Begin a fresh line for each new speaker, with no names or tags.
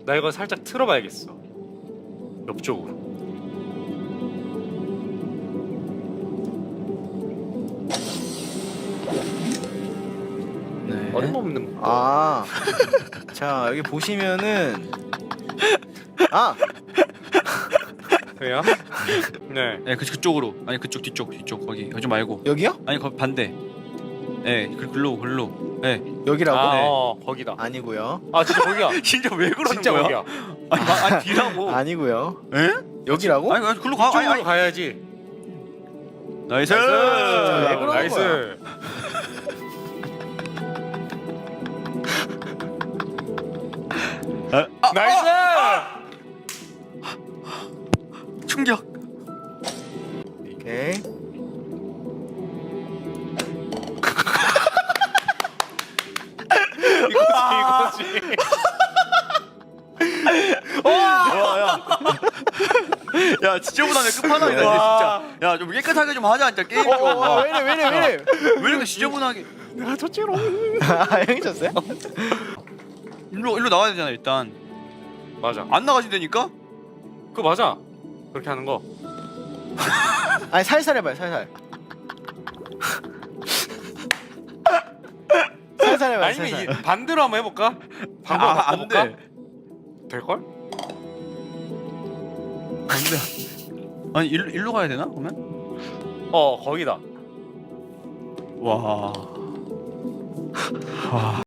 나 이거 살짝 틀어봐야겠어. 옆쪽으로.
네.
어림없는 거.
아, 자 여기 보시면은
왜요? 네.
네, 그쪽으로. 아니 그쪽 뒤쪽 거기 말고.
여기요?
아니 거기 반대. 네, 글로. 네.
여기라고?
아,
네.
거기다.
아니고요.
아, 진짜 거기야.
진짜 왜 그러는
진짜
거야?
거기야.
아니 뒤라고.
아니고요.
에?
여기라고?
아니 글로 가.
이쪽으로 가야지.
나이스.
왜 그러는
나이스. 나이스.
충격.
오케이.
이거지.
야 지저분하네 끝판왕이다 이제 진짜. 야 좀 깨끗하게 좀 하자 진짜 게임 좀.
왜이래?
왜 이렇게 지저분하게?
내가 졌지롱.
아, 형이 졌어요?
일로 나와야 되잖아 일단.
맞아.
안 나가신다니까?
그거 맞아. 그렇게 하는 거.
아니 살살 해봐요, 살살. 살살 해봐요,
아니면
살살.
이 반대로 한번 해볼까? 방법
안
바꿔볼까?
돼.
될 걸?
안 돼. 아니 일로 가야 되나 그러면?
거기다.
와. 와.